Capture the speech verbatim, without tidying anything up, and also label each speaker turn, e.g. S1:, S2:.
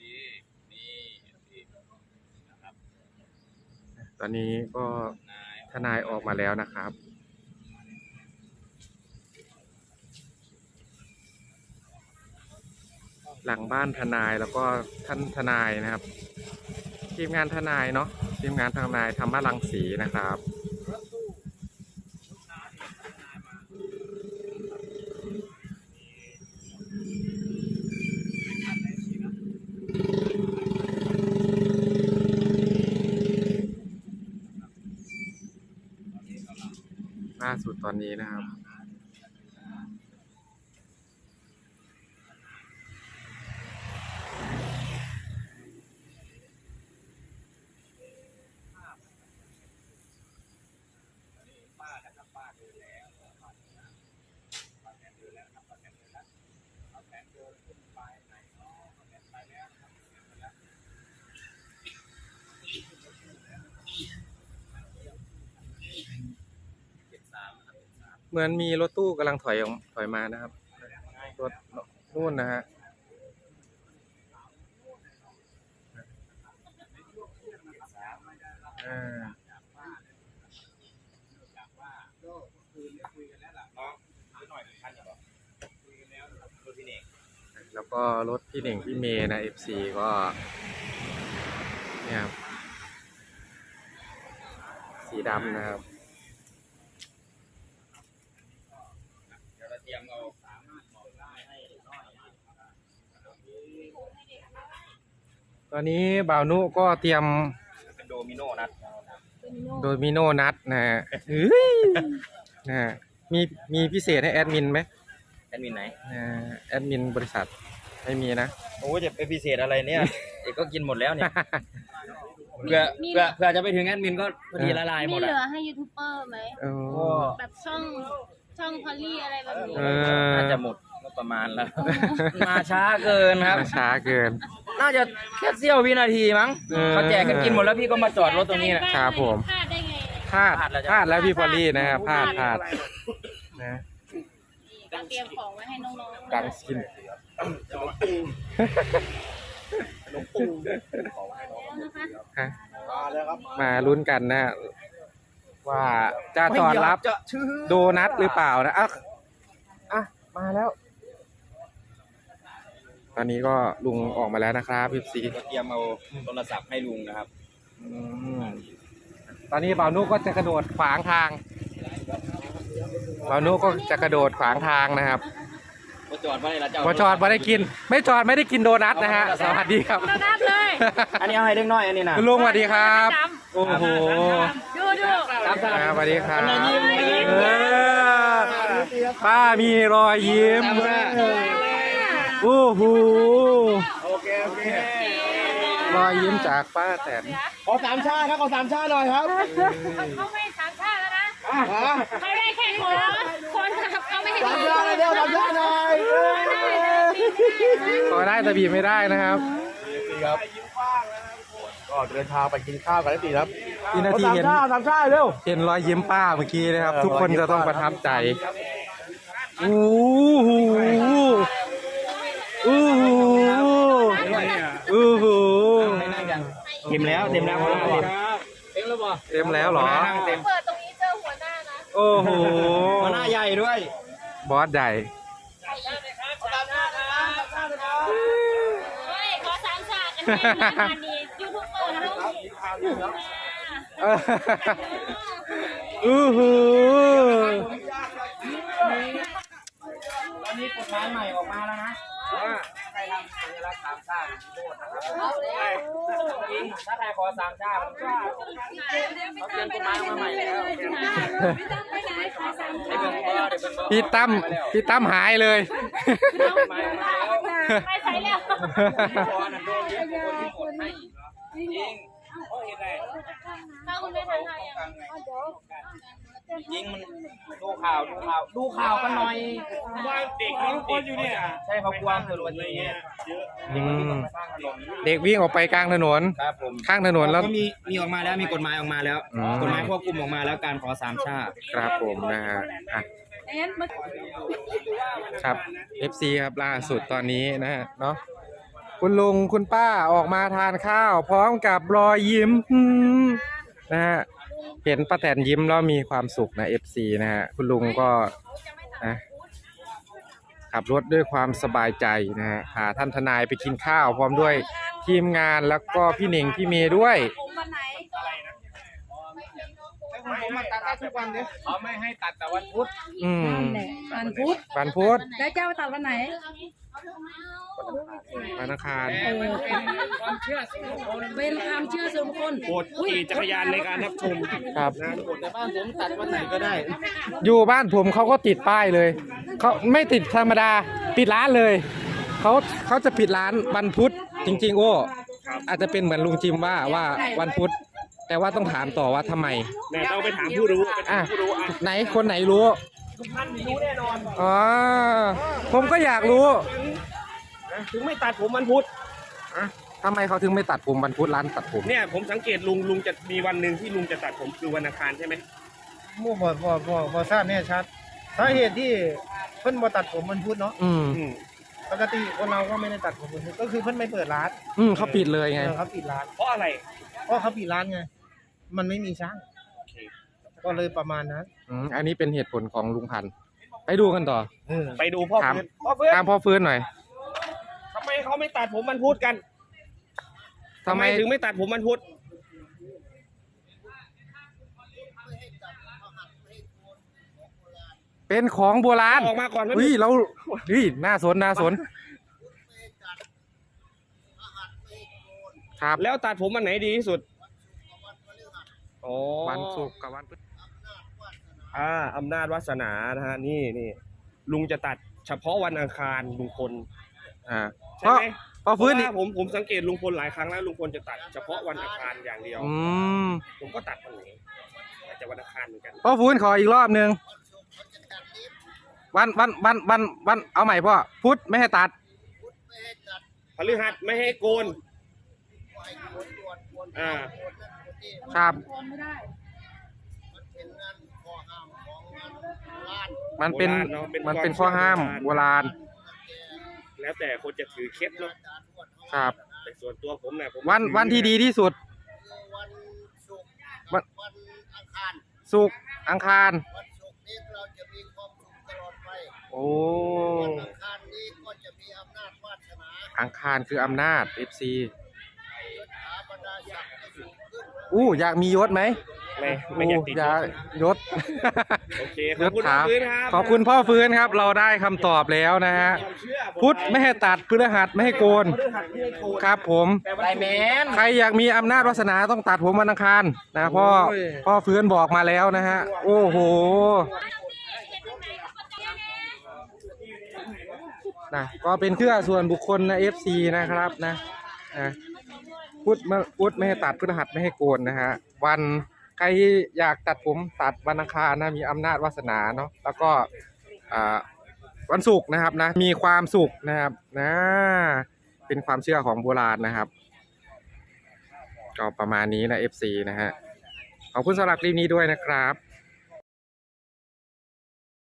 S1: ตอนนี้ก็ทนายออกมาแล้วนะครับหลังบ้านทนายแล้วก็ท่านทนายนะครับทีมงานทนายเนาะทีมงานทนายธรรมรังสีนะครับล่าสุดตอนนี้นะครับเหมือนมีรถตู้กำลังถอยออกถอยมานะครับรถนู่นนะฮะอ่าแล้วก็รถพี่เน่งพี่เมย์นะ เอฟ ซี ก็เนี่ยสีดำนะครับตอนนี้บ่าวนุก็เตรียม
S2: เป็นโดมิโนนัด
S1: โดมิโนนัดนะฮะเฮ้ยนะฮะมีมีพิเศษให้แอดมินไหม
S2: แอดมินไหน
S1: แอดมินบริษัทไม่มีนะ
S2: โอ้จะเป็นพิเศษอะไรเนี่ยเอกก็กินหมดแล้วเนี่ยเพื่อเพื่อเพื่อจะไปถึงแอดมินก็พอดีละลายหมด
S3: มีเหลือให้ยูทูบเบอร์ไหมแบบช่องช่องพอลลี่อะไรแบบนี้
S2: น่าจะหมดประมาณแล้วมาช้าเกินครับ
S1: มาช้าเกิน
S2: น่าจะแค่เสี้ยววินาทีมั้งเขาแจกกันกินหมดแล้วพี่ก็มาจอดรถตรงนี้
S1: นะครับผม
S3: พลาดได้ไง
S1: พลาดพลาดแล้วพี่พอลลี่นะครับพลาดพลาดนะ
S3: ก็เตรียมของไว้ให้น้องๆ
S1: ดังกินมาลุ้นกันนะว่าจะต้อนรับโดนัทหรือเปล่านะอ่ะอ่ะมาแล้วตอนนี้ก็ลุงออกมาแล้วนะครับพี่ซี
S2: เตรียมเอาโทรศัพท์ให้ลุงนะครับ
S1: ตอนนี้บ่าวนุก็จะกระโดดขวางทางบ่าวนุก็จะกระโดดขวางทางนะครับ
S2: มาจอดไม่ได้ละเจ้า
S1: มาจอดไม่ได้กินไม่จอดไม่ได้กินโดนัทนะฮะสวัสดีครับ
S3: โดนัทเลย
S2: อันนี้เอาให้เล็กน้อยอันนี้นะ
S1: ลุงสวัสดีครับโอ้โห
S3: ดูดู
S1: สวัสดีครับป้ามีรอยยิ้มโอ้โห
S2: โอเคโอเค
S1: รอยยิ้มจากป้าแตน
S2: ขอสามชาครับขอสามชาหน่อยครับ
S3: เขาไม่สามชาแล้วนะเขาได้แค่คนคนขับเขาไม่ให้
S2: สามชาเลยเดียวสามชาหน่อย
S1: ขอได้แต่บีบไม่ได้นะครับ
S2: ครับก็เดินทางไปกินข้าวกันได้ตีครับ
S1: ทีนาทีเห็น
S2: สามชาเร็ว
S1: เห็นรอยยิ้มป้าเมื่อกี้นะครับทุกคนจะต้องประทับใจโอ้โหโอ้โหโอ้โห
S2: เต็มแล้วเต็มแล้วเต็มแล้วบ่
S1: เต็มแล้วเหรอ
S3: เปิดตรงนี้เจอหัวหน้านะ
S1: โอ้โห
S2: หัวหน้าใหญ่ด้วย
S1: บอสใหญ่
S3: ขอสามชากันแน่งานนี้ยูทูบเบอร์นะ
S1: โอ้โห
S2: ตอนนี้กฎหมายใหม่ออกมาแล้วนะว่าใครทำสัญลักษณ์สามชาติโทษนะครับจริงถ้าใครขอสามชาติมันก็เขาเปลี่ยนกฎหมายมาใหม่แล้ว
S1: พี่ตั้มพี่ตั้มหายเลย
S3: ไปใส่แล้ว
S2: จริงเพราะเหตุใด
S3: ถ้าคุณไม่ทันทาย
S2: ยิงมันดูข่าวดูข่าวดูข่าวกันหน่อย
S4: ว่าเด็กเขาทุกคนอยู่เนี่ย
S2: ใช่เขากลัวเกิดอุบัติเหตุเยอะ
S1: เด็กวิ่งออกไปกลางถนนข้างถนนแล้ว
S2: มีมีออกมาแล้วมีกฎหมายออกมาแล้วกฎหมายควบคุมออกมาแล้วการขอสามชาติ
S1: ครับผมนะฮะครับ เอฟ ซี ครับล่าสุดตอนนี้นะฮะเนาะกคุณลุงคุณป้าออกมาทานข้าว พร้อมกับรอยยิ้มนะฮะเห็นป้าแตนยิ้มแล้วมีความสุขนะ เอฟ ซี นะฮะคุณลุงก็นะขับรถด้วยความสบายใจนะฮะพาท่านทนายไปกินข้าว พร้อมด้วยทีมงานแล้วก็พี่หนิงพี่เมย์ด้วย
S3: วันไหน
S2: ผมมาตัดได้ทุกวันเนี่ยเขาไม่ให้ตัดแต่วันพุธ
S1: อืม
S3: นั่นแหละวันพุธ
S1: วันพุธ
S3: แล้วเจ้าตัดวันไหน
S1: วันอังคาร
S3: เออ
S2: ความเชื่อส่วนบุคคล
S3: เป็นความเชื่อส่วนบุคคล
S4: โปรดขี่จักรยานในการรับชม
S1: ครับ
S2: แต่บ้านผมตัดวันไหนก็ได้
S1: อยู่บ้านผมเขาก็ติดป้ายเลยเขาไม่ติดธรรมดาปิดร้านเลยเขาเขาจะปิดร้านวันพุธจริงๆโอ้อาจจะเป็นเหมือนลุงจิมว่าว่าวันพุธแต่ว่าต้องถามต่อว่าทำไม
S4: เนี่ยต้องไปถามผู้รู้ไปถา
S1: อ่ะ
S4: มผู้รู้อ่ะ
S1: ไหนคนไหนรู้
S2: ทุกท่านมีรู้แน่นอน
S1: อ๋อผมก็อยากรู้
S4: ถึงไม่ตัดผมวันพุธ
S1: ทำไมเขาถึงไม่ตัดผมวันพุธร้านตัดผม
S4: เนี่ยผมสังเกตลุงลุงจะมีวันหนึ่งที่ลุงจะตัดผมคือวันอังคารใช่ไหม
S5: มั่วบ่บ่บ่บ่ทราบแน่ชัดสาเหตุที่เพิ่นบ่ตัดผมมันพูดเนาะ
S1: อืม
S4: อืม
S5: ปกติคนเราก็ไม่ได้ตัดผมมันพูดก็คือเพิ่นไม่เปิดร้าน
S1: อืมเขาปิดเลยไง
S5: เออเขาปิดร้าน
S4: เพราะอะไร
S5: เพราะเขาปิดร้านไงมันไม่มีช่าง
S4: โอเค
S5: ก็เลยประมาณนั้น
S1: อืมอันนี้เป็นเหตุผลของลุงพันธุ์ไปดูกันต่อ
S5: เออ
S4: ไปดูพ่อ
S1: ถาม
S4: ฟื้นพ่อฟื้น
S1: ตามพ่อฟื้นหน่อย
S4: ทำไมเขาไม่ตัดผมวันพุธกัน
S1: ทำไม
S4: ถึงไม่ตัดผมวันพุธ
S1: เป็นของโบราณ
S4: ออกมาก่อนไหม
S1: อุ้ยเราอุ้ยน่าสนน่าสนครับ
S4: แล้วตัดผมวันไหนดีที่สุดอ๋อ
S1: วันศุกร์กับวันพฤหัส
S4: อ่าอำนาจวาสนานะฮะนี่นี่ลุงจะตัดเฉพาะวันอังคารลุงพล
S1: อ่า
S4: ใช่ไหม
S1: พ่อฟื้น
S4: เพ
S1: นี่
S4: ราะว่าผมผมสังเกตลุงพลหลายครั้งแล้วลุงพลจะตัดเฉพาะวันอังคารอย่างเดียว
S1: อืม
S4: ผมก็ตัดวันไหนอาจจะวันอังคารเหมือนกัน
S1: พ่อฟื้นขออีกรอบหนึ่งวันวันวันวันวันเอาใหม่พ่อพุธไม่ให้ตัด
S4: พฤหัสไม่ให้โกนอ่า
S1: ครับ มันเป็น
S4: โบราณเนอะเป็น
S1: มันเป็น
S4: ความ
S1: ข้อห้าม
S4: เชื่อโบ
S1: โบ
S4: รา
S1: รา
S4: ณ
S1: ณ
S4: แล้วแต่คนจะถือเคล็ดเนาะ
S1: ครับ
S4: แต่ส่วนตัวผมเนี่ยผม
S1: วัน
S4: ถือ
S1: วันที่ดีที่สุด
S5: วันศุกร์
S1: วัน
S5: วันอังคาร
S1: ศุกร์อังคาร
S5: วันศุกร์นี้เราจะมีความสุขตลอดไป
S1: โอ้
S5: วันอังคารนี้ก็จะมีอำนาจวาสนา
S1: อังคารคืออำนาจ เอฟ ซี
S5: ยศถาบรรดาศักดิ์จะสูงขึ้น
S1: อู้อยากมียศไหม
S4: ไม่ไม่อยากติด
S1: อยากยศ
S4: โอเคข
S1: ย
S4: อบ
S1: ศ
S4: คุณ
S1: ถาม
S4: พื้นครับ
S1: ขอบคุณพ่อฟื้นครับ เราได้คำตอบแล้วนะฮะ
S4: ความเชื่อผม
S1: พุธไม่ให้ตัดพฤหัสไม่ให้โกน
S4: พฤหัสไม่ให้โกน
S1: ครับผม
S4: แต่วัน
S2: ไร
S4: ศุกร์
S2: แมน
S1: ใครอยากมีอำนาจวาสนาต้องตัดผมวันอังคารนะพ่อ
S5: โอ้ย
S1: พ่อฟื้นบอกมาแล้วนะฮะ โอ้โหนะก็เป็นเครื่องส่วนบุคคลนะ เอฟ ซี นะครับนะนะพุธไม่พุธไม่ให้ตัดพฤหัสไม่ให้โกนนะฮะวันใครอยากตัดผมตัดวันอังคารนะมีอำนาจวาสนาเนาะแล้วก็อ่าวันศุกร์นะครับนะมีความสุขนะครับนะเป็นความเชื่อของโบราณนะครับ ก็ประมาณนี้นะ เอฟ ซี นะฮะ ขอบคุณสำหรับคลิปนี้ด้วยนะครับ